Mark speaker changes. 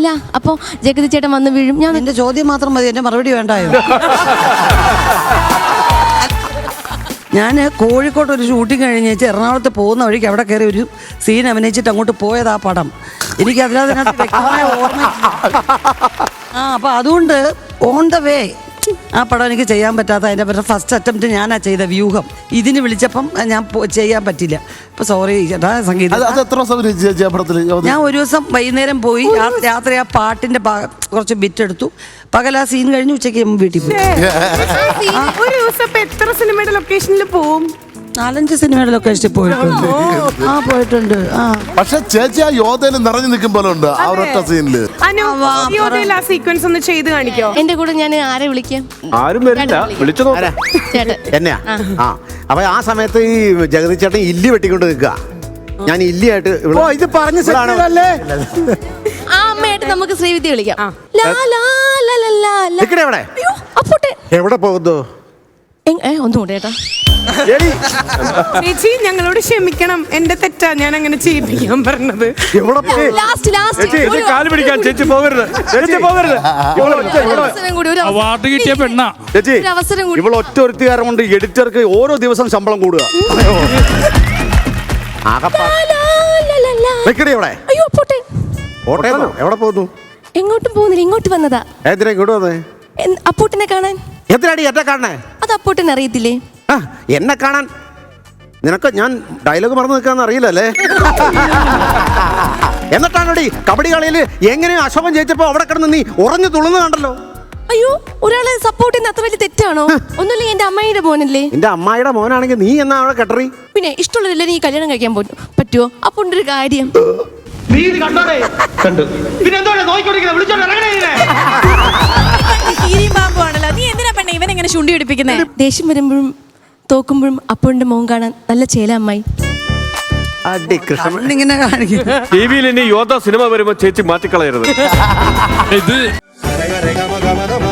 Speaker 1: അപ്പൊ ജഗതി ചേട്ടൻ വന്ന് വീഴും. ഞാൻ
Speaker 2: എന്റെ ചോദ്യം മാത്രം മതി, എന്റെ മറുപടി വേണ്ടായോ? ഞാൻ കോഴിക്കോട്ട് ഒരു ഷൂട്ടിങ് കഴിഞ്ഞേച്ച് എറണാകുളത്ത് പോകുന്ന വഴിക്ക് അവിടെ കയറി ഒരു സീൻ അഭിനയിച്ചിട്ട് അങ്ങോട്ട് പോയത് ആ പടം. എനിക്ക് അതിനകത്ത് വ്യക്തമായ ഓർമ്മ. അപ്പൊ അതുകൊണ്ട് ഓൺ ദ വേ ആ പടം എനിക്ക് ചെയ്യാൻ പറ്റാത്ത അതിന്റെ ഫസ്റ്റ് അറ്റംപ്റ്റ് ഞാനാ ചെയ്ത വ്യൂഹം. ഇതിന് വിളിച്ചപ്പം ഞാൻ ചെയ്യാൻ പറ്റില്ല. അപ്പൊ സോറി ചേട്ടാ സംഗീതം. ഞാൻ ഒരു ദിവസം വൈകുന്നേരം പോയി, രാത്രി ആ പാട്ടിന്റെ കുറച്ച് ബിറ്റ് എടുത്തു. പകൽ ആ സീൻ കഴിഞ്ഞ് ഉച്ചയ്ക്ക് വീട്ടിൽ പോയി.
Speaker 3: ഒരു ദിവസം എത്ര സിനിമയുടെ ലൊക്കേഷനിൽ പോവും?
Speaker 2: 4-5 സിനിമയുടെ ലൊക്കേഷനിൽ പോയിട്ടുണ്ട്. പോയിട്ടുണ്ട്.
Speaker 4: പക്ഷെ ചേച്ചി ആ യോധയിൽ നിറഞ്ഞു നിൽക്കും പോലെ ഉണ്ട് ആ ഒരൊറ്റ സീനില്.
Speaker 3: യോധയിൽ ആ സീക്വൻസ് ഒന്ന് ചെയ്ത് കാണിക്കോ?
Speaker 1: എന്റെ കൂടെ ഞാൻ ആരെ വിളിക്കാം?
Speaker 5: ആരും വരില്ല, വിളിച്ചു
Speaker 6: എന്നെയാ. അപ്പൊ ആ സമയത്ത് ഈ ജഗതി ചേട്ടൻ ഇല്ലി വെട്ടിക്കൊണ്ട് നിൽക്കുക. ഞാൻ ഇല്ലിയായിട്ട്
Speaker 5: ഇത് പറഞ്ഞ
Speaker 1: ആ അമ്മയായിട്ട് നമുക്ക് ശ്രീവിദ്യ വിളിക്കാം.
Speaker 6: എവിടെ പോകുന്നു?
Speaker 1: ഒന്നുകൂടെ ചേട്ടാ.
Speaker 3: ചേച്ചി ഞങ്ങളോട് ക്ഷമിക്കണം, എന്റെ തെറ്റാ ഞാൻ അങ്ങനെ ചെയ്യിപ്പിക്കാൻ പറഞ്ഞത്.
Speaker 5: കാല് പിടിക്കാൻ ചേച്ചി പോകരുത്, ചേച്ചി പോകരുത്.
Speaker 7: അവാർഡ് കിട്ടിയ പെണ്ണ
Speaker 6: ചേച്ചി, ഇവൾ ഒറ്റ ഒരുത്തുകാരം കൊണ്ട് എഡിറ്റർക്ക് ഓരോ ദിവസം ശമ്പളം കൂടുക. എവിടെ പോകുന്നു?
Speaker 1: എങ്ങോട്ടും പോകുന്നില്ല, ഇങ്ങോട്ട് വന്നതാ.
Speaker 6: എന്തിനാ ഇങ്ങോട്ട് വന്നേ?
Speaker 1: അപ്പൂട്ടിനെ കാണാൻ.
Speaker 6: എന്തിനാടി എന്നെ കാണണേ?
Speaker 1: അത് അപ്പൂട്ടിനെ അറിയത്തില്ലേ?
Speaker 6: എന്നെ കാണാൻ നിനക്ക് ഞാൻ ഡയലോഗ് മറന്നു നിൽക്കാന്ന് അറിയില്ലല്ലേ? എന്നിട്ടാണോടി കബഡി കളിയിൽ എങ്ങനെയോ അശോകൻ ജയിച്ചപ്പോ അവിടെ കിടന്ന് നീ ഉറഞ്ഞു തുള്ളുന്ന കണ്ടല്ലോ.
Speaker 1: അയ്യോ, ഒരാളെ സപ്പോർട്ട് ചെയ്യുന്ന അത്ര വലിയ തെറ്റാണോ? ഒന്നുമില്ല, എന്റെ അമ്മായിയുടെ മോനല്ലേ.
Speaker 6: എന്റെ അമ്മായിയുടെ മോനാണെങ്കിൽ നീ എന്നാ അവിടെ കെട്ടറി?
Speaker 1: പിന്നെ ഇഷ്ടമുള്ളതല്ലേ നീ കല്യാണം കഴിക്കാൻ പറ്റുമോ? അപ്പൊ ഒരു കാര്യം
Speaker 8: നീ എന്തിനാ പെണ്ണെ ഇവൻ എങ്ങനെ ചുണ്ടി പിടിപ്പിക്കുന്നേ?
Speaker 1: ദേഷ്യം വരുമ്പോഴും തോക്കുമ്പോഴും അപ്പോന്റെ മോൻ കാണാൻ നല്ല ചേല അമ്മായി.
Speaker 2: ഇങ്ങനെ കാണിക്കും.
Speaker 5: ടി വിയിൽ ഇനി യോധ സിനിമ വരുമ്പോ ചേച്ചി മാറ്റിക്കളയരുത്.
Speaker 7: ഇത്